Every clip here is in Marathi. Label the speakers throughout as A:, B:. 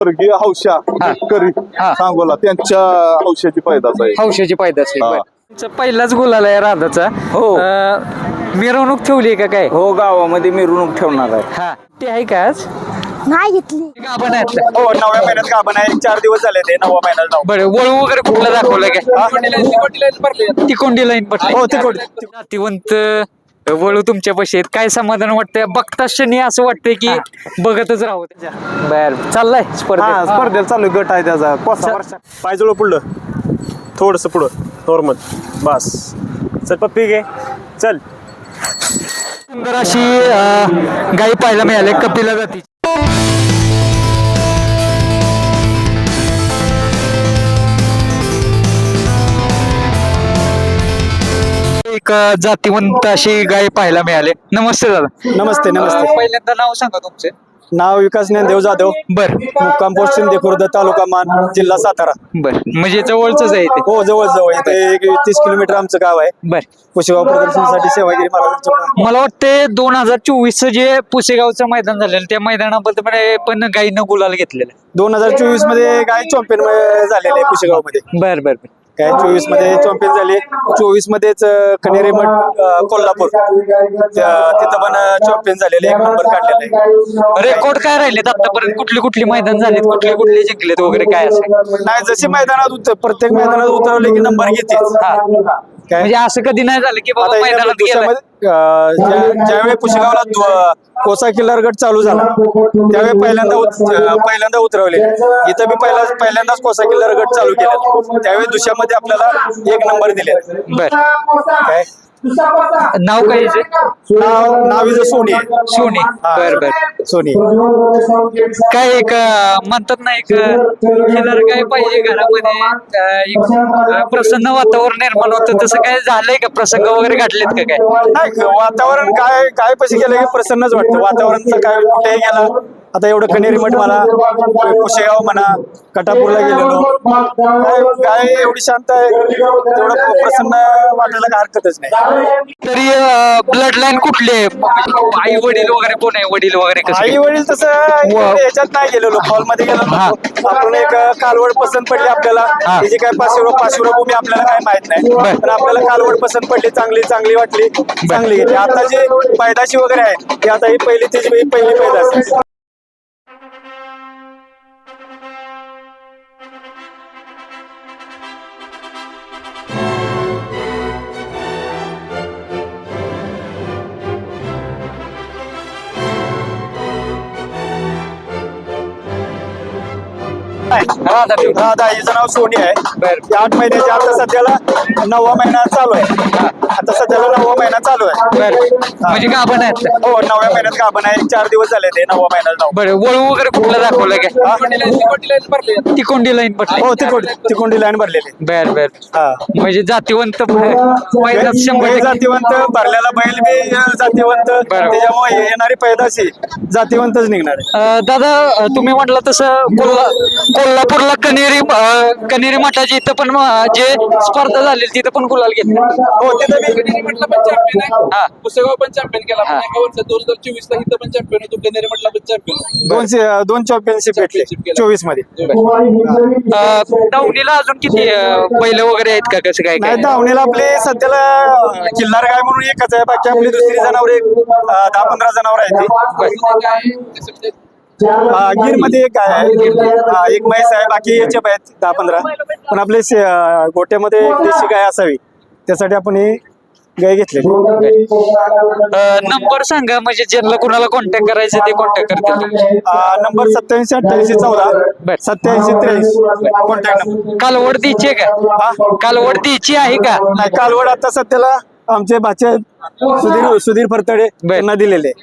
A: स्वर्गीय हौशा करी सांगोला त्यांच्या हौशाची पैदास आहे.
B: हौशाची पैदास आहे. तुमचा पहिलाच गुलाल आहे राधाचा.
C: हो.
B: मिरवणूक ठेवली का काय?
C: हो, गावामध्ये मिरवणूक ठेवणार आहे.
B: हा ते आहे का आज?
D: नाही घेतली.
B: आपण आहेत.
A: हो 9व्या महिन्यात गाभण आहे. 4 दिवस झाले ते 9व्या महिन्यात नाव.
B: बरं वळू वगैरे कुठला दाखवलं काय? तिकोंडी लाईन पडली.
A: हो तिकोंडी.
B: नातिवंत वळू तुमच्या पाशी आहेत. काय समाधान वाटतंय बघता क्षणी असं वाटतंय की बघतच राहू. बर चाललाय स्पर्धा.
A: स्पर्धेला चालू गट आहे त्याचा कोसा वर्षा.
E: पायजवळ पुढलं थोडस पुढं नॉर्मल बस. चल पप्पी घे चल.
B: सुंदर अशी गाई पाहायला मिळाले कपिला जाती. एक जातीवंत अशी गाय पाहायला मिळाले. नमस्ते दादा.
A: नमस्ते नमस्ते.
B: पहिल्यांदा नाव सांगा तुमचं.
A: नाव विकास ज्ञानदेव जाधव.
B: बर
A: मुक्काम पोस्ट शिंदे खुर्द तालुका मान जिल्हा सातारा.
B: बर म्हणजे जवळच आहे ते.
A: हो जवळ जवळ इथे 30 किलोमीटर आमचं गाव आहे.
B: बर
A: पुशेगाव प्रदर्शनासाठी सेवागिरी महाराजांच्या.
B: मला वाटते 2024 जे पुसेगावचं मैदान झालेलं त्या मैदानाबद्दल पण गायीनं गुलाल घेतलेलं.
A: 2024 मध्ये गाय चॅम्पियन झालेले आहे पुशेगाव मध्ये.
B: बर बर बर.
A: काय 24 मध्ये चॅम्पियन झाले. 24 मध्येच कनेरी मठ कोल्हापूर तिथं पण चॅम्पियन झालेले. 1 नंबर काढलेला आहे.
B: रेकॉर्ड काय राहिलेत आतापर्यंत? कुठली मैदान झालेत? कुठले जिंकलेत वगैरे काय असं?
A: नाही जसे मैदानात प्रत्येक मैदानात उतरवले की नंबर घेतेच. काय
B: म्हणजे असं कधी नाही झालं की बाबा
A: आता
B: मैदानात गेलं.
A: ज्यावेळी पुशेगावला कोसा किल्लार गट चालू झाला त्यावेळी पहिल्यांदा उतरवले. इथं बी पहिल्यांदाच कोसा किल्लार गट चालू केला. त्यावेळी दुसऱ्यामध्ये आपल्याला 1 नंबर दिले.
B: बर
A: काय
B: नाव काय याचे?
A: नाव इथं सोनी आहे.
B: सोनी. बर बर.
A: सोनी.
B: काय एक म्हणतात ना एक खिलार काय पाहिजे घरामध्ये एक प्रसन्न वातावरण निर्माण होतं. तसं काय झालंय का? प्रसंग वगैरे घडलेत का काय?
A: नाही वातावरण काय पैसे गेलं की प्रसन्नच वाटतं. वातावरणचं काय कुठेही गेला. आता एवढं कनेरी मठ म्हणा पुशेगाव म्हणा कटापूरला गेलेलो काय एवढी शांत आहे. तेवढं प्रसन्न वाटायला काय हरकतच नाही.
B: तरी ब्लड लाईन कुठली आहे? आई वडील वगैरे कोण आहे? वडील वगैरे कसं
A: आई
B: काय?
A: वडील तसं याच्यात नाही गेलेलो. हॉल मध्ये गेलो आपण एक कालवड पसंत पडली आपल्याला. त्याची काय पाचशे आपल्याला काय माहित नाही. पण आपल्याला कालवड पसंत पडली. चांगली वाटली. चांगली घेतली. आता जे पैदाशी वगैरे आहे ती आता ही पहिली पैदास आहे. राधा हिचं नाव सोनी आहे. 8 महिन्याची. आता सध्याला 9वा महिना चालू आहे. आता सध्याला 9वा महिना चालू आहे.
B: म्हणजे का आपण आहेत?
A: हो 9व्या महिन्यात गाभण आहे. 4 दिवस झाले ते 9वा महिन्यात नाव.
B: बरं वळू वगैरे कुठला दाखवलं काय? तिकोंडी लाईन पडली.
A: हो तिकोंडी लाईन भरलेली.
B: बर बर.
A: हा
B: म्हणजे जातीवंत पैदास 100%
A: जातीवंत भरलेला बैल बी जातीवंत. त्याच्यामुळे येणारी पैदाशी जातीवंतच निघणार आहे.
B: दादा तुम्ही म्हटलं तसं कोल्हापूरला कनेरी मठाची इथं पण जे स्पर्धा झाली तिथं पण गुलाल घेतले.
A: हो तिथं बी
F: म्हटलं पण चॅम्पियन आहे. पुसेगाव पण चॅम्पियन केला. 2024 ला इथं पण चॅम्पियन होतो. कनेरी म्हटलं पण चॅम्पियन.
A: दोन चॅम्पियनशिप भेटले 24 मध्ये.
B: दावणीला अजून किती बैल वगैरे आहेत का? कसं काय
A: नाही
B: काय?
A: धावणीला आपले सध्याला किल्लार गाय म्हणून एकच आहे. बाकी आपली दुसरी जनावर 10-15 जनावर आहेत. गिर मध्ये एक गाय आहे. एक म्हैस आहे. बाकी याचे आहेत 10-15. पण आपले गोट्यामध्ये एक देशी गाय असावी त्यासाठी आपण ही गाय घेतली.
B: नंबर सांगा म्हणजे ज्यांना कुणाला कॉन्टॅक्ट करायचं ते कॉन्टॅक्ट करतील.
A: Number 87-88-14 87-83 contact number.
B: कालवड द्यायची आहे का? कालवड द्यायची आहे का?
A: नाही कालवड आता सध्याला आमचे भाचे सुधीर फरतडे यांना दिलेले.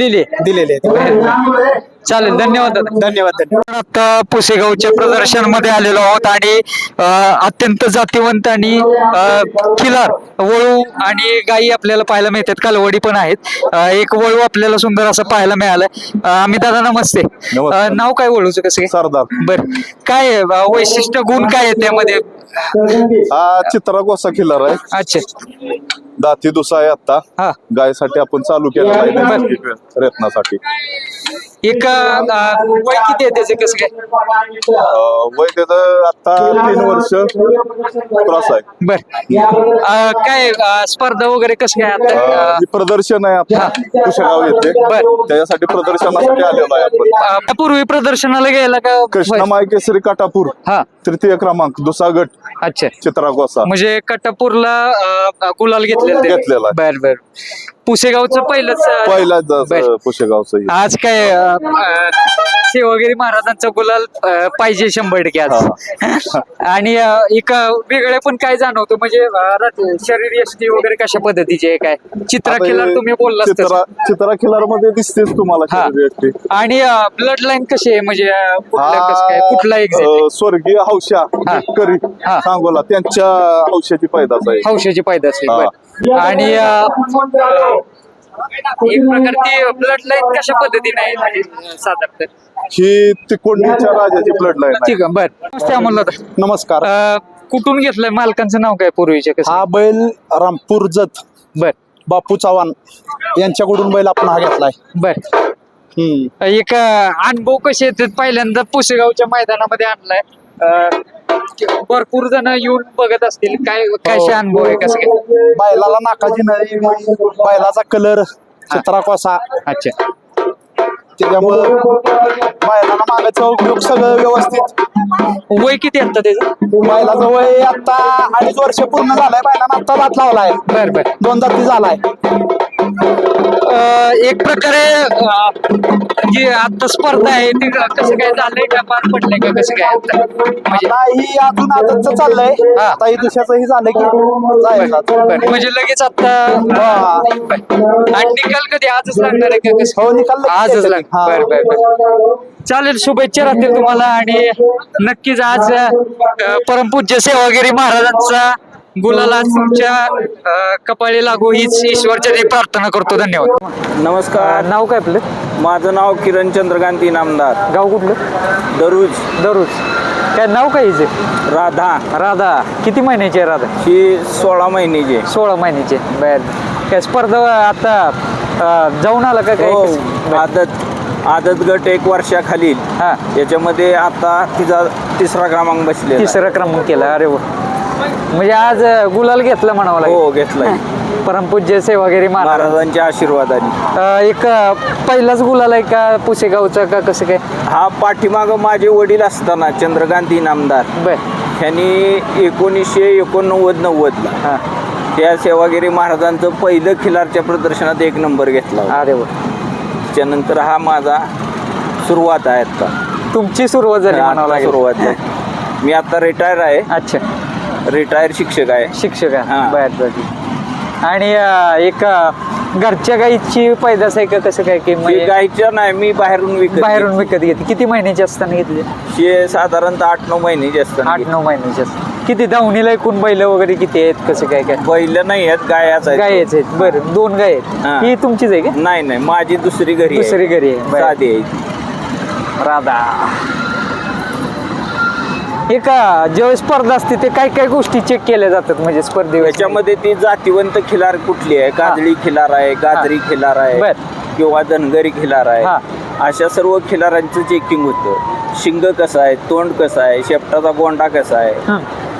B: चालेल धन्यवाद दादा.
A: धन्यवाद.
B: आता पुसेगावच्या प्रदर्शनमध्ये आलेलो आहोत आणि अत्यंत जातीवंत आणि खिलार वळू आणि गायी आपल्याला पाहायला मिळतात. कालवडी पण आहेत. एक वळू आपल्याला सुंदर असं पाहायला मिळालं. आम्ही दादा नमस्ते. नाव काय वळूचं कसं काय?
A: सरदार.
B: बर काय वैशिष्ट्य गुण काय आहे त्यामध्ये?
A: हा चित्रा गोसा किल्लार आहे.
B: अच्छा
A: दाती दुसा आहे. आता
B: हा
A: गायसाठी आपण चालू केलेला आहे प्रयत्नासाठी.
B: एक वय किती आहे त्याचे कसं काय?
D: वय त्याचं आता 3 वर्ष क्रॉस आहे.
B: बर काय स्पर्धा वगैरे कसं काय आता?
D: हे प्रदर्शन आहे आता कुशेगाव येथे, त्याच्यासाठी प्रदर्शनासाठी आलेलो आहे आपण.
B: पूर्वी प्रदर्शनाला गेला का?
D: कृष्णमाय केसरी काटापूर
B: हा
D: 3य क्रमांक 2ा गट
B: अच्छा
D: चित्रा गोसा.
B: म्हणजे कटापूरला गुलाल घेतलेला
D: घेतलेला आहे.
B: बर बर पुसेगावचं पहिलंच
D: पहिलाच कुशेगावचं.
B: आज काय सेवागिरी महाराजांचा गुलाल पाहिजे 100% आज. आणि एक वेगळे पण काय जाणवतं म्हणजे शरीर यष्टी वगैरे कशा पद्धतीचे आहे काय चित्रा खिलार तुम्ही बोलला
D: चित्रा खिलार मध्ये दिसतेच तुम्हाला
B: हा.
D: शरीर यष्टी.
B: आणि ब्लड लाईन कशी आहे म्हणजे कुठला एक
D: स्वर्गीय हौशा
B: हा.
D: करी
B: हा.
D: सांगोला त्यांच्या हौशाची पैदास आहे.
B: हौशाची पैदास आहे.
D: हा.
B: बरं. आणि एक प्रकारची ब्लड लाईन कशा पद्धतीने आहे म्हणजे साधारणतः
D: ही तिकोंडीच्या राजाची ब्लड लाईन आहे.
B: ठीक आहे बर नमस्ते अमोल दादा.
G: नमस्कार.
B: कुठून घेतलंय मालकांचं नाव काय पूर्वीच्या कसं?
G: हा बैल रामपूर जत
B: बर
G: बापू चव्हाण यांच्याकडून बैल आपण हा घेतलाय.
B: बर एक अनुभव कसे येतात पहिल्यांदा पुसेगावच्या मैदानामध्ये आणलाय भरपूर जण येऊन बघत असतील काय कसे अनुभव आहे कसं काय?
G: बैलाला नाकाची नळी, बैलाचा कलर चित्रा कोसा,
B: अच्छा
G: त्याच्यामुळं बैलाला मागायचा उपयोग सगळं व्यवस्थित.
B: वय किती आता त्याचं?
G: बैलाचं वय आता 2.5 वर्ष पूर्ण झालंय. बैलानं आता दात लावलाय.
B: बर बर
G: 2 दाती झालाय.
B: एक प्रकारे जी आता स्पर्धा आहे ती कसं काय झालंय का पार पडलंय का कसं काय आता? म्हणजे
G: आता ही अजून आजच चाललंय.
B: हा.
G: आता ही दुसऱ्याचं झालं की जायचं.
B: बरं, म्हणजे लगेच आता आणि निकाल कधी आजच लागणार आहे का कसं?
G: हो, निकाल लगेच
B: आजच
G: येतात.
B: लागणार.
G: हा.
B: बरं बरं बरं चालेल शुभेच्छा राहतील तुम्हाला आणि नक्कीच आज परमपूज्य सेवागिरी महाराजांचा गुलाल आज तुमच्या कपाळी लागू हीच ईश्वरचरणी प्रार्थना करतो. धन्यवाद.
C: नमस्कार.
B: नाव काय आपलं?
C: माझं नाव किरण चंद्रकांत इनामदार,
B: गाव कुठलं? दररोज काय नाव काय हिचे?
C: राधा.
B: राधा किती महिन्याची आहे राधा?
C: ही 16 महिन्याची.
B: 16 महिन्याची. बर काय स्पर्धा आता जाऊन आला का काय?
C: हो,
B: बर.
C: आदत गट 1 वर्षाखालील
B: हा
C: याच्यामध्ये आता तिचा 3रा क्रमांक बसले.
B: 3रा क्रमांक केला. अरे वा म्हणजे आज गुलाल घेतला म्हणावं लागेल.
C: हो, घेतलाय
B: परमपूज्य सेवागिरी महाराज
C: महाराजांच्या आशीर्वादाने.
B: एक पहिलाच गुलाल आहे का पुसेगावचा का कसं काय?
C: हा पाठीमाग माझे वडील असताना चंद्रकांत इनामदार
B: बर
C: यांनी 1989-90
B: हा
C: त्या सेवागिरी महाराजांचं पहिलं खिलारच्या प्रदर्शनात 1 नंबर घेतला होता.
B: अरे वा
C: त्यानंतर हा माझा सुरुवात आहे आता.
B: तुमची सुरुवात झाली म्हणावं
C: आता
B: लागेल.
C: सुरुवात आहे. मी आता रिटायर आहे,
B: अच्छा
C: रिटायर शिक्षक आहे.
B: शिक्षक आहे.
C: हा.
B: बर बर आणि एक घरच्या गाईची पैदास आहे का कसं काय की
C: मी
B: म्हणजे
C: गायचं नाही, मी बाहेरून
B: बाहेरून विकत घेते? किती महिन्याची असताना घेतली?
C: हे साधारणतः 8-9 महिन्याचे असतात.
B: 8-9 महिन्याची असतात. किती दावणीला एकूण बैल वगैरे किती आहेत कसं काय काय?
C: बैल नाही आहेत, गायाच आहेत.
B: गायच आहेत. बरं 2 गाय आहेत.
C: हा.
B: ही तुमचीच आहे का?
C: नाही माझी दुसरी घरी आहे.
B: दुसरी घरी आहे. बरं.
C: साधी आहे.
B: राधा एक ज्यावेळेस स्पर्धा असते ते काय काय गोष्टी चेक केल्या जातात म्हणजे स्पर्धेवर?
C: याच्यामध्ये ती जातीवंत खिलार कुठली आहे, काजळी खिलार आहे, गाजरी खिलार आहे
B: बर.
C: किंवा धनगरी खिलार
B: हा.
C: आहे, अशा सर्व खिलारांचं चेकिंग होतं. शिंग कसं आहे, तोंड कसं आहे, शेपटाचा गोंडा कसा आहे,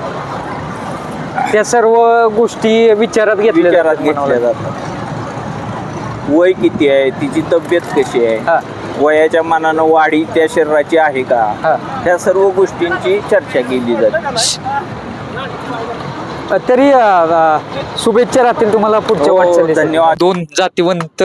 B: त्या सर्व गोष्टी विचारात
C: विचारात
B: घेतल्या
C: घेतल्या जातात. वय किती आहे, तिची तब्येत कशी
B: हा.
C: आहे, वयाच्या मानानं वाढी त्या शरीराची आहे का,
B: हा.
C: ह्या सर्व गोष्टींची चर्चा केली जाते.
B: तरी शुभेच्छा राहतील तुम्हाला पुढच्या
C: हो,
B: वाटचालीसाठी.
C: धन्यवाद.
B: 2 जातीवंत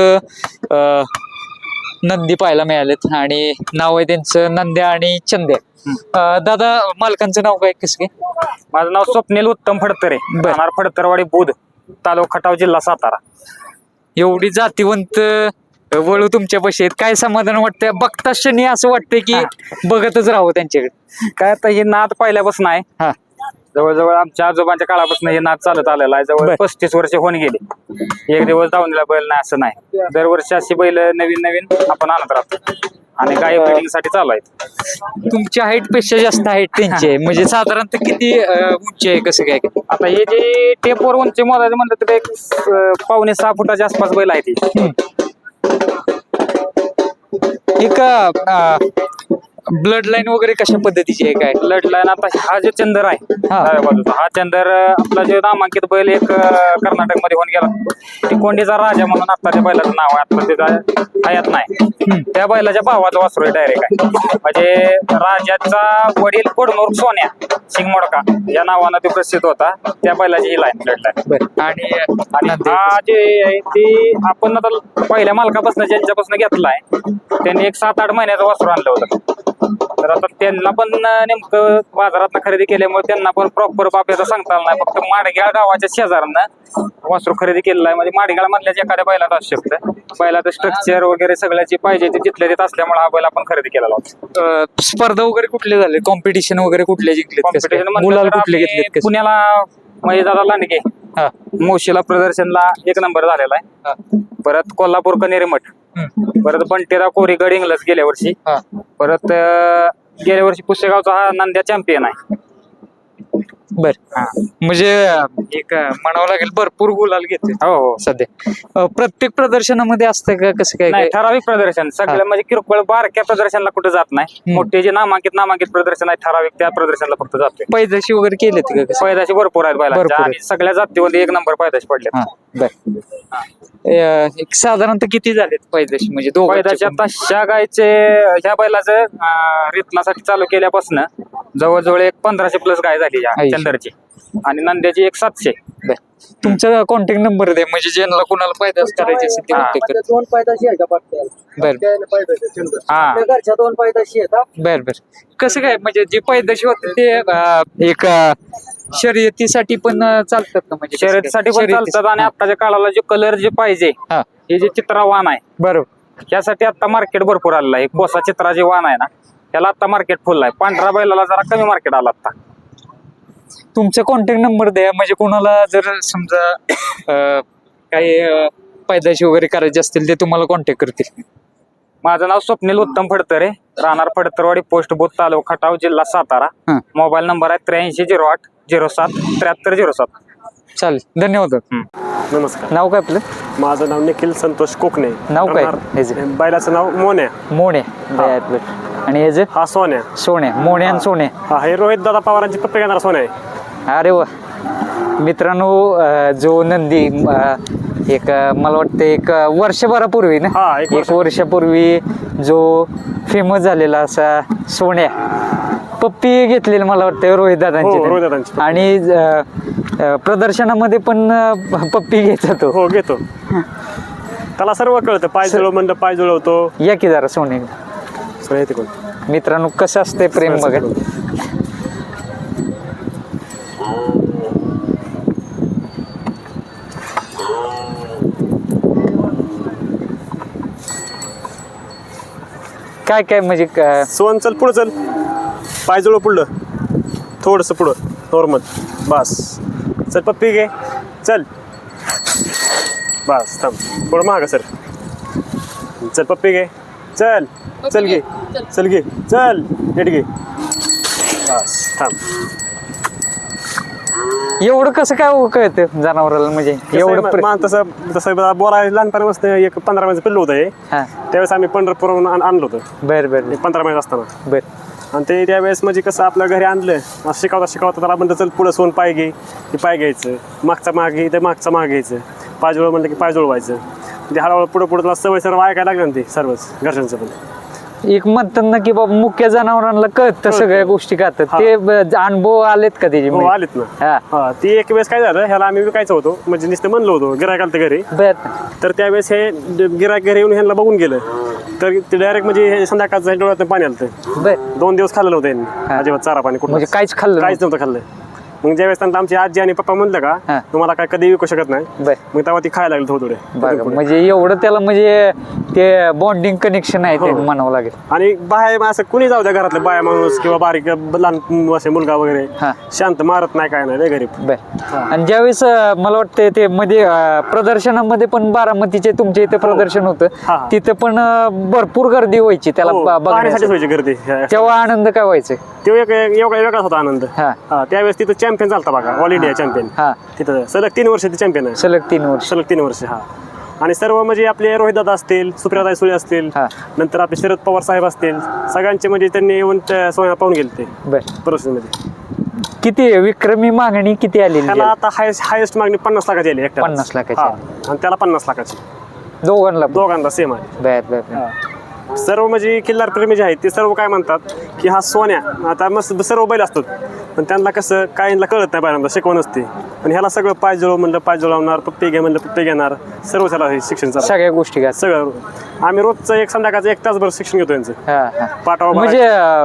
B: नंदी पाहायला मिळालेत आणि नाव आहे त्यांचं नंद्या आणि चंद्या. दादा मालकांचं नाव काय कसं काय?
H: माझं नाव स्वप्नील उत्तम फडतरे,
B: बर.
H: राहणार फडतरवाडी बुध, तालुका खटाव, जिल्हा सातारा.
B: एवढी जातीवंत वळू तुमच्यापाशी आहेत, काय समाधान वाटतंय? बघता क्षणी असं वाटतंय की बघतच राहावं त्यांच्याकडे.
H: काय आता हे नाद पहिल्यापासून आहे.
B: हा
H: जवळजवळ आमच्या आजोबांच्या काळापासून हे नाद चालत आलेला आहे. जवळ
B: बर.
H: 35 वर्ष होऊन गेले. एक दिवस दावणीला बैल नाही असं नाही. दरवर्षी अशी बैल नवीन नवीन आपण आणत राहतो आणि गाय ब्रिडिंग साठी चालू आहेत.
B: तुमच्या हाईट पेक्षा जास्त हाईट त्यांची आहे म्हणजे साधारणतः किती उंची आहे कसं काय?
H: आता हे जे टेपवर उंची मोजायचं म्हणलं तर एक 5.5-6 फुटाच्या आसपास बैल आहे ती.
B: एक ब्लड लाईन वगैरे कशा पद्धतीची आहे काय?
H: ब्लड लाईन आता हा जो चंदर आहे
B: हा.
H: डाव्या बाजूचा हा चंदर आपला जो नामांकित बैल एक कर्नाटक मध्ये होऊन गेला तिकोंडीचा राजा म्हणून आता त्या बैलाचं नाव आहे. आता त्याचा हयात नाही. त्या बैलाच्या भावाचा वासरू आहे डायरेक्ट आहे. म्हणजे राजाचा वडील कोडमोर सोन्या सिंगमोडका या नावानं तो प्रसिद्ध होता. त्या बैलाची ही लाईन ब्लड लाईन.
B: बरं. आणि
H: आणि हा जे आहे ते आपण आता पहिल्या मालकापासून ज्यांच्यापासून घेतलाय त्यांनी एक 7-8 महिन्याचं वासरू आणलं होतं. तर आता त्यांना पण नेमकं बाजारात खरेदी केल्यामुळे त्यांना पण प्रॉपर बाप्याचा सांगता आलं नाही. फक्त माडग्याळ गावाच्या शेजारानं वासरू खरेदी केलेलं आहे. म्हणजे माडग्याळ मधल्याच एखाद्या बैलात असू शकतं. बैलाचं स्ट्रक्चर वगैरे सगळ्याची पाहिजे ते तिथल्या तिथं असल्यामुळे हा बैल आपण खरेदी केलेला होता.
B: स्पर्धा वगैरे कुठले झाले? कॉम्पिटिशन वगैरे कुठले जिंकले?
H: कॉम्पिटिशन
B: मुलाला कुठले घेतलेत कसं?
H: पुण्याला महेशदादा लांडगे मोशीला प्रदर्शनला 1 नंबर झालेला आहे. परत कोल्हापूर कनेरीमठ, परत बंटेरा कोरीगड इंग्लज गेल्या वर्षी, परत गेल्या वर्षी पुसेगावचा हा नंद्या चॅम्पियन आहे.
B: बर. म्हणजे एक म्हणावं लागेल भरपूर गुलाल घेते
H: हो
B: सध्या. प्रत्येक प्रदर्शनामध्ये असतं का कसं काय?
H: नाही, ठराविक प्रदर्शन सगळं म्हणजे किरकोळ बारक्या प्रदर्शनला कुठे जात नाही. मोठे जे नामांकित प्रदर्शन आहे ठराविक त्या प्रदर्शनला फक्त जाते.
B: पैदाशी वगैरे केलेत का कसं?
H: पैदाशी भरपूर आहेत
B: भरपूर
H: बैलांच्या
B: आहेत.
H: आणि सगळ्या जातीमध्ये 1 नंबर पैदाशी पडले.
B: एक साधारणतः किती झालेत पैदाशी म्हणजे
H: पैदाशी आता ह्या गायचे ह्या बैलाचं रितनासाठी चालू केल्यापासून जवळजवळ एक 1500+ गाय झाली या चंदरची आणि नंद्याची एक 700.
B: तुमचा कॉन्टॅक्ट नंबर दे म्हणजे ज्यांना कोणाला पैदास करायचे असेल ते कॉन्टॅक्ट कर.
I: 2 पैदाशी आहे का
B: बर
I: घरच्या 2 पैदाशी आहेत.
B: बर बर. कसं काय म्हणजे जे पैदाशी होते ते एक शर्यतीसाठी पण चालतात ना? म्हणजे
H: शर्यतीसाठी पण चालतात आणि आताच्या काळाला जो कलर जे पाहिजे हे जे चित्रावान आहे
B: बरोबर
H: यासाठी आता मार्केट भरपूर आलेलं आहे. कोसा चित्रा जे वाण आहे ना त्याला आता मार्केट फुल आहे. पांढरा बैलाला जरा कमी मार्केट आला आता.
B: तुमचा कॉन्टॅक्ट नंबर द्या म्हणजे कोणाला जर समजा काही पैदाशी वगैरे करायचे असतील ते तुम्हाला कॉन्टॅक्ट करतील.
H: माझं नाव स्वप्नील उत्तम फडतरे, राहणार फडतरवाडी, पोस्ट बोथ, तालुका खटाव, जिल्हा सातारा. मोबाईल नंबर आहे 8308 07 7307.
B: चालेल, धन्यवाद.
E: नमस्कार.
B: नाव काय आपलं?
E: माझं नाव निखिल संतोष कोकणे.
B: नाव काय?
E: बैलाचं नाव मोन्या.
B: मोणे. आणि हे जे
E: हा सोन्या.
B: सोने, मोणे आणि सोने.
E: हा हे रोहित दादा पवारांची पप्पे घेणार सोन्या आहे.
B: अरे वा. मित्रांनो, जो नंदी एक मला वाटतं एक वर्षभरापूर्वी ना, एक वर्षापूर्वी जो फेमस झालेला असा सोन्या पप्पी घेतलेली मला वाटतं रोहित दादांची. आणि प्रदर्शनामध्ये पण पप्पी घेत होतो.
E: हो घेतो. त्याला सर्व कळतं. पाय जुळव म्हणलं पाय जुळवतो.
B: या की जरा सोने
E: सोन्या येते कोण.
B: मित्रांनो कसं असतंय प्रेम बघा. काय काय म्हणजे
E: सोन चल पुढं चल. पाय जुळव पुढलं थोडंसं पुढं नॉर्मल. बस चल पप्पी घे. चल बस थांब थोडं मागं सर. चल पप्पी घे. चल चल घे. चल घे. चल नीट घे. बस थांब.
B: एवढं कसं काय कळतं जनावराला म्हणजे एवढं?
E: तसं बोलायला लहानपणापासून एक 15 महिन्याचं पिल्लू होतं हे. त्यावेळेस आम्ही पंढरपूरहून आणलं होतं.
B: बरं बरं.
E: 15 महिन्यात असताना.
B: बरं.
E: आणि ते त्यावेळेस म्हणजे कसं आपल्या घरी आणलं शिकवता त्याला म्हणतं चल पुढं सोन पाय घे. ते पाय घ्यायचं. मागचा माग घे तर मागचा माग घ्यायचं. पाय जुळव म्हणलं की पाय जुळवायचं. ते हळूहळू पुढं त्याला सवय सर्व ऐकायला लागलं ना ते सर्वच घरच्यांचं पण.
B: एक म्हणतात ना की बाबा मुख्य जनावरांना कळतं सगळ्या गोष्टी करतात ते अनुभव आलेत का त्याचे?
E: हो आलेत ना. हा ती एक वेळेस काय झालं ह्याला आम्ही विकायचं होतो म्हणजे नुसतं म्हणलो होतो गिरायक आलं घरी. तर त्यावेळेस हे गिरायक घरी येऊन ह्यांना बघून गेलं तर ते डायरेक्ट म्हणजे संध्याकाळचं डोळ्यात पाणी आलं. 2 दिवस खाल्लं नव्हतं यांनी अजिबात चारा पाणी कुठं
B: म्हणजे काहीच खाल्लं
E: काहीच नव्हतं खाल्लं. मग ज्यावेळेस त्यांना आमची आजी आणि पप्पा म्हणलं का तुम्हाला काय कधी विकू शकत नाही मग तेव्हा ती खायला लागली थोडे.
B: म्हणजे एवढं त्याला म्हणजे ते बॉन्डिंग कनेक्शन आहे ते म्हणावं लागेल.
E: आणि बाहेर असं कुणी जाऊ द्या घरातलं बाया माणूस किंवा बारीक लहान असे मुलगा वगैरे शांत मारत नाही काय नाही गरीब.
B: आणि ज्यावेळेस मला वाटतं ते मध्ये प्रदर्शनामध्ये पण बारामतीचे तुमच्या इथे प्रदर्शन होतं तिथे पण भरपूर गर्दी व्हायची त्याला
E: बघण्यासाठीच व्हायची गर्दी.
B: तेव्हा आनंद काय व्हायचं?
E: तो एक वेगळाच होता आनंद. त्यावेळेस तिथं चॅम्पियन चालता बघा ऑल इंडिया चॅम्पियन. तिथं सलग 3 वर्ष ते चॅम्पियन आहे.
B: सलग 3 वर्ष.
E: सलग 3 वर्ष. हा आणि सर्व म्हणजे आपले रोहितदादा असतील, सुप्रियाताई सुळे असतील,
B: हा.
E: नंतर आपले शरद पवार साहेब असतील, सगळ्यांचे म्हणजे त्यांनी येऊन त्या सोन्या पाहून गेले ते
B: बर
E: परिस्थितीमध्ये.
B: किती विक्रमी मागणी किती आलेली
E: त्याला
B: आहे?
E: आता हायेस्ट मागणी 50 लाखाची आली एकट्याला.
B: 50 लाखाची
E: हा.
B: आली.
E: आणि त्याला 50 लाखाची
B: दोघांना
E: दोघांना सेम आहे.
B: बर बर बर.
E: सर्व म्हणजे किल्लार प्रेमी जे आहेत ते सर्व काय म्हणतात की हा सोन्या आता मस्त सर्व बैल असतात पण त्यांना कसं काहींना कळत नाही बैलांना शिकवण असते पण ह्याला सगळं पाय जुळव म्हणलं पाय जुळवणार पप्पे घे म्हणलं पप्पे घेणार सर्व त्याला हे शिक्षण चालू
B: सगळ्या गोष्टी घ्या.
E: सगळं आम्ही रोजचं एक संध्याकाळचं 1 तासभर शिक्षण घेतो यांचं
B: हा, हा.
E: पाठावर
B: म्हणजे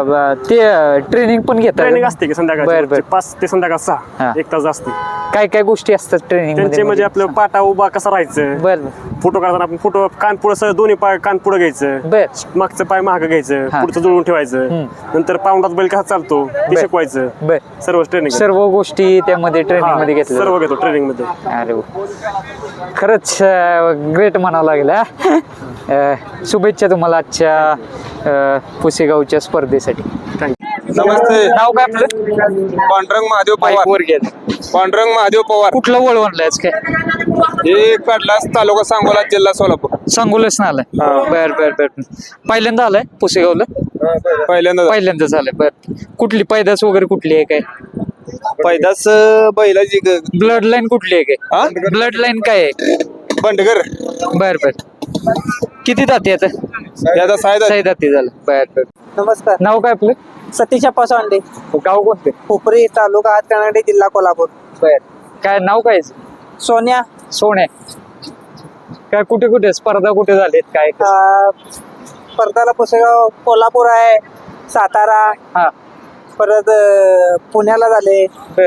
B: ते ट्रेनिंग पण घेतात
E: ट्रेनिंग असते की
B: बर, बर.
E: संध्याकाळची 5 ते संध्याकाळ 6
B: हा.
E: 1 तास असते
B: काय काय गोष्टी असतात ट्रेनिंग
E: त्यांचे म्हणजे आपलं पाटा उभा कसा राहायचं
B: बर
E: फोटो काढताना आपण फोटो कान पुढं दोन्ही पाय कान पुढं घ्यायचं
B: बर
E: मागचं पाय महाग घ्यायचं
B: हा.
E: पुढचं जुळवून ठेवायचं नंतर पाऊंडात बैल कसा चालतो ते
B: बर.
E: शिकवायचं
B: बर
E: सर्व ट्रेनिंग
B: सर्व गोष्टी त्यामध्ये ट्रेनिंग मध्ये घेतल्या
E: सर्व घेतो ट्रेनिंग मध्ये
B: अरे वा. खरंच ग्रेट म्हणावं लागेल हा. शुभेच्छा तुम्हाला आजच्या पुसेगावच्या स्पर्धेसाठी.
G: नमस्ते.
B: नाव काय आपलं?
G: पांडुरंग महादेव
B: माईक
G: पवार.
B: वर घ्या.
G: पांडुरंग महादेव पवार.
B: कुठलं वळवणलायच काय?
G: हे कडलास तालुका सांगोला जिल्हा सोलापूर.
B: सांगोलच ना आलाय. बर बर बर. पहिल्यांदा आलाय पुसेगावला?
G: पहिल्यांदा
B: पहिल्यांदा झालंय. बर कुठली पैदास वगैरे कुठली आहे काय?
G: पैदास बैलाची
B: ब्लड लाईन कुठली आहे
G: हा?
B: काय? ब्लड लाईन काय आहे?
G: बंडगर
B: बर बर. किती दाती आता?
G: याचा सायदा
B: साई दाती झालं. बर बर.
I: नमस्कार.
B: नाव काय आपलं?
I: सतीश अप्पा सोंडे,
B: गाव कोणते?
I: कोपरी तालुका हातकर्नाटक जिल्हा कोल्हापूर.
B: बर काय नाव काय आहे?
I: सोन्या
B: सोने. काय कुठे कुठे स्पर्धा कुठे झालीत काय?
I: स्पर्धाला पुसेगाव कोल्हापूर आहे, सातारा,
B: हा
I: परत पुण्याला झाले,
B: बर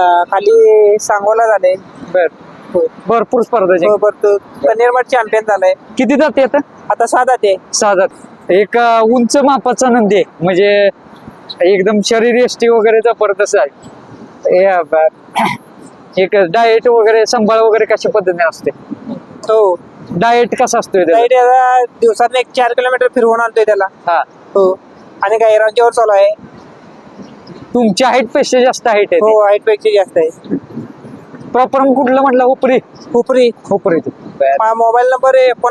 I: खाली सांगोला झाले,
B: बर भरपूर स्पर्धा जिंकल्या.
I: परत कनेरमठ चॅम्पियन झालंय.
B: किती जाती आता?
I: आता 6 जाते.
B: 6 जात. एक उंच मापाचा नंदी आहे म्हणजे एकदम शरीर यष्टी वगैरे जबरदस्त आहे. एक डाएट वगैरे सांभाळ वगैरे कशा पद्धतीने असते?
I: हो
B: डाएट कसा असतोय त्याचा?
I: गाईड याला दिवसात 4 किलोमीटर फिरवून आणतोय त्याला.
B: हा
I: हो आणि गायरांच्यावर चालू आहे.
B: तुमच्या हाईट पेक्षा जास्त हाईट आहे.
I: हो हाईट पेक्षा जास्त आहे.
B: प्रॉपर कुठलं म्हटलं? उपरी
I: उपरी
B: उपरी.
I: Mobile number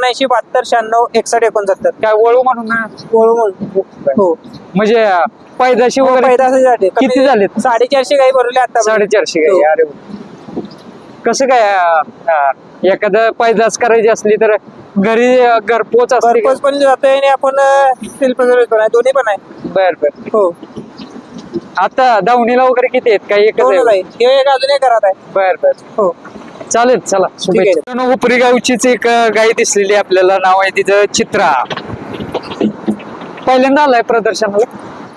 I: 7996966169.
B: काय वळू म्हणून ना?
I: हो
B: म्हणजे पैदाशी वगैरे
I: पैदासाठी
B: किती झालेत?
I: 450 गाई भरवले आता.
B: 450 गाई. अरे वा. कसं काय एखादं पैदास करायची असली तर घरी घरपोच असते का?
I: घरपोच पण जातोय आणि आपण सेल्फ सर्व्हिस पण आहे, दोन्ही पण आहे.
B: बर बर.
I: हो
B: आता दावणीला वगैरे किती आहेत? काही एकच
I: दोनच
B: आहे?
I: आहे. हे एक अजून एक घरात आहे.
B: बर बर.
I: हो
B: चालेल चला शुभेच्छा. उपरी गावचीच एक गाय दिसलेली आपल्याला. नाव आहे तिचं चित्रा. पहिल्यांदा आलाय प्रदर्शनाला?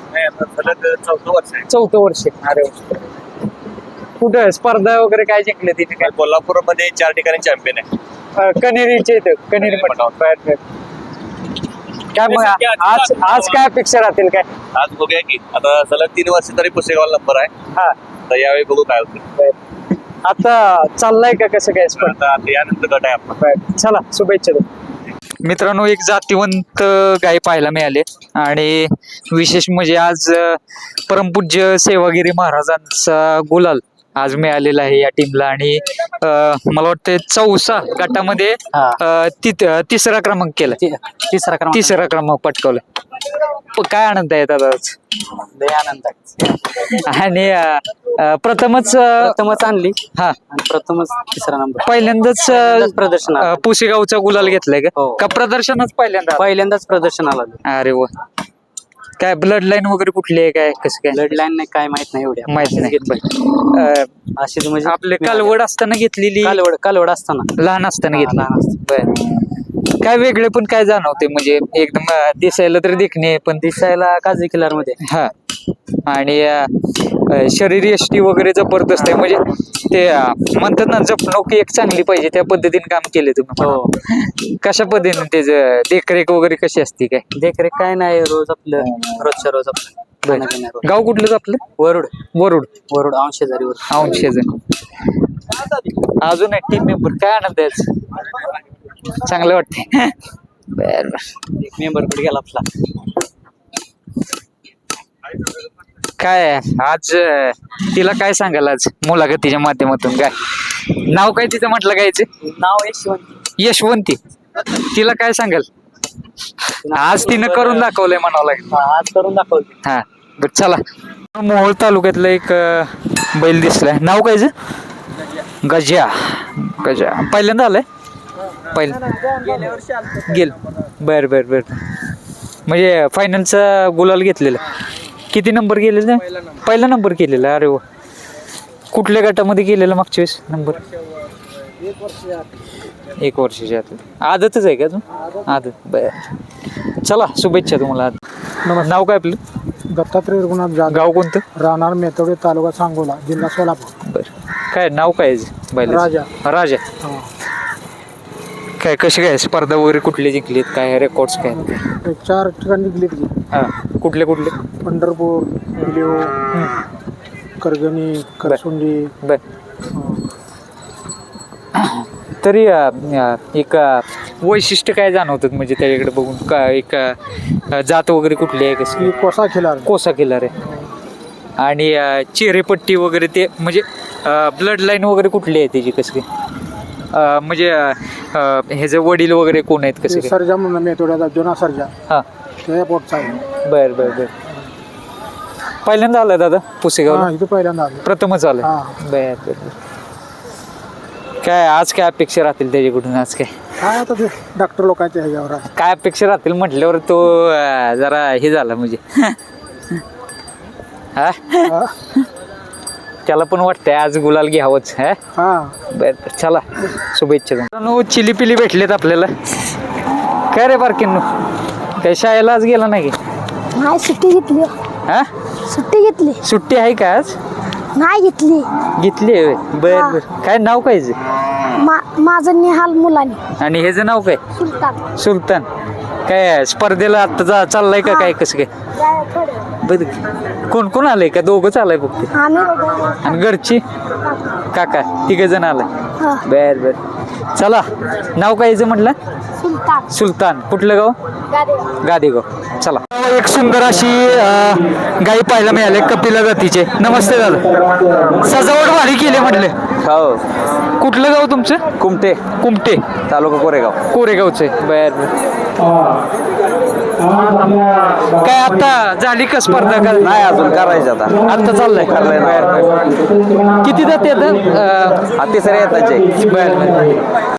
B: 4थं वर्ष. अरे वा. कुठं स्पर्धा वगैरे काय जिंकले तिथे? काय
J: कोल्हापूर मध्ये 4 ठिकाणी चॅम्पियन आहे.
B: कनेरीचे इथं कनेरी मठ. बर बर. काय मग आज आज काय अपेक्षा राहतील काय?
J: आज बघूया की आता सलग 3 वर्ष तरी पुसेगावला नंबर आहे.
B: हा
J: तर यावेळी बघू काय होतं.
B: आता चाललाय का कसं काय स्पर्धा?
J: आता यानंतर गट आहे आपला.
B: बर. चला शुभेच्छा. मित्रांनो एक जातीवंत गाय पाहायला मिळाले आणि विशेष म्हणजे आज परमपूज्य सेवागिरी महाराजांचा गुलाल आज मिळालेला आहे या टीमला आणि मला वाटतं 4 गटामध्ये तिसरा क्रमांक केला. तिसरा क्रमांक पटकावला. काय आनंद आहे दादा आज?
I: आनंद
B: आणि प्रथमच
I: आणली
B: हा
I: आणि प्रथमच तिसरा नंबर.
B: पहिल्यांदाच
I: प्रदर्शन
B: पुसेगावचा गुलाल घेतलाय का प्रदर्शनच
I: पहिल्यांदाच प्रदर्शनाला.
B: अरे वा. काय ब्लड लाईन वगैरे कुठली आहे काय कसं काय?
I: ब्लड लाईन नाही काय माहित नाही एवढ्या
B: माहित नाही.
I: अशी म्हणजे
B: आपले कालवड असताना घेतलेली?
I: कालवड असताना
B: लहान असताना घेतली. बर. काय वेगळे पण काय जाणवते म्हणजे एकदम दिसायला तर देखणे पण
I: दिसायला काजळी किल्लार मध्ये.
B: हा आणि शरीर यष्टी वगैरे जबरदस्त आहे म्हणजे ते म्हणतात ना जपणूक एक चांगली पाहिजे त्या पद्धतीने काम केले तुम्ही.
I: हो
B: कशा पद्धतीने त्याचं देखरेख वगैरे कशी असते काय?
I: देखरेख काय नाही रोज आपलं रोजच्या रोज आपलं.
B: गाव कुठलंच आपलं?
I: वरुड
B: वरुड
I: औंशेजारी.
B: अजून एक टीम मेंबर. काय आनंद आहे? चांगलं वाटतंय. बर
I: एक मेंबर कुठे गेला आपला?
B: काय आज तिला काय सांगाल आज मुलाखतीच्या माध्यमातून? काय नाव काय तिचं म्हटलं गायचं?
I: नाव यशवंती.
B: यशवंती तिला काय सांगाल आज तिनं करून दाखवलंय म्हणावं लागेल
I: आज करून दाखवलं.
B: हा बरं चला मोहोळ तालुक्यातलं एक बैल दिसलाय नाव काय गजा गजा पहिल्यांदा आलंय गेल बर बर बर म्हणजे फायनलचा गुलाल घेतलेला किती नंबर गेलेला पहिला नंबर केलेला अरे वा कुठल्या गटामध्ये गेलेला मागच्या वेळेस नंबर 1 वर्षाच्या आदतच आहे का तू आदत बर चला शुभेच्छा तुम्हाला नाव काय आपलं
G: दत्तात्रय रघुनाथ जाधव
B: गाव कोणतं
G: राहणार मेथोडे तालुका सांगोला जिल्हा सोलापूर.
B: बर काय नाव काय बैल
G: राजा.
B: राजा काय कशी काय स्पर्धा वगैरे कुठले जिंकलीत काय रेकॉर्ड्स काय
G: 4 ठिकाणी जिंकली ती.
B: हा कुठले कुठले
G: पंढरपूर लिओ करगणी करसुंडी.
B: बर तरी एक वैशिष्ट्य काय जाणवतात म्हणजे त्याच्याकडे बघून का एक जात वगैरे कुठली आहे कशी
G: ही कोसा खिलार.
B: कोसा किल्लार आहे आणि चेहरेपट्टी वगैरे ते म्हणजे ब्लड लाईन वगैरे कुठली आहे त्याची कशी म्हणजे ह्याचे वडील वगैरे कोण आहेत कसे
G: सर्जा म्हणून मेथोड्याचा जुना सर्जा
B: हा
G: त्या पोटचा आहे.
B: बर बर बर पहिल्यांदा आलाय दादा पुसेगाव
G: इथं पहिल्यांदा आलो.
B: प्रथमच आलाय
G: हा.
B: बर बर बर. काय आज काय अपेक्षा राहतील त्याच्याकडून आज
G: काय आता ते डॉक्टर लोकांच्या ह्याच्यावर आहे.
B: काय अपेक्षा राहतील म्हटल्यावर तो जरा हे झाला म्हणजे हा
G: हा.
B: त्याला पण वाटतंय आज गुलाल घ्यावंच हा
G: हा
B: बर चला शुभेच्छा मित्रांनो चिली पिली भेटलेत आपल्याला काय रे बारकिन्नू काय शाळेला आज गेला नाही की
K: नाही सुट्टी घेतली.
B: हा
K: सुट्टी घेतली
B: सुट्टी आहे का आज
K: नाही घेतली.
B: घेतली आहे बर बर काय नाव काय हिचं?
K: माझं निहाल मुलानी
B: आणि ह्याचं नाव काय
K: सुलतान.
B: सुलतान काय स्पर्धेला आता चाललंय का काय कसं काय बर कोण कोण आलंय का दोघंच आलंय फक्त
K: आम्ही
B: आणि घरची काका तिघ जण आलाय बर बर चला नाव काय याचं म्हटलं
K: सुलतान.
B: सुलतान कुठलं गाव गादेगाव चला एक सुंदर अशी गाई पाहायला मिळाली कपिला जातीचे नमस्ते दादा सजावट भारी केली म्हटले
C: हो
B: कुठलं गाव तुमचं
C: कुमटे
B: कुमटे
C: तालुका कोरेगाव.
B: कोरेगावचे बर काय आता झाली का स्पर्धा का
C: नाही अजून करायचं आता
B: आता चाललंय बर बर किती जाते आता
C: तिसऱ्या येताचे
B: बर बर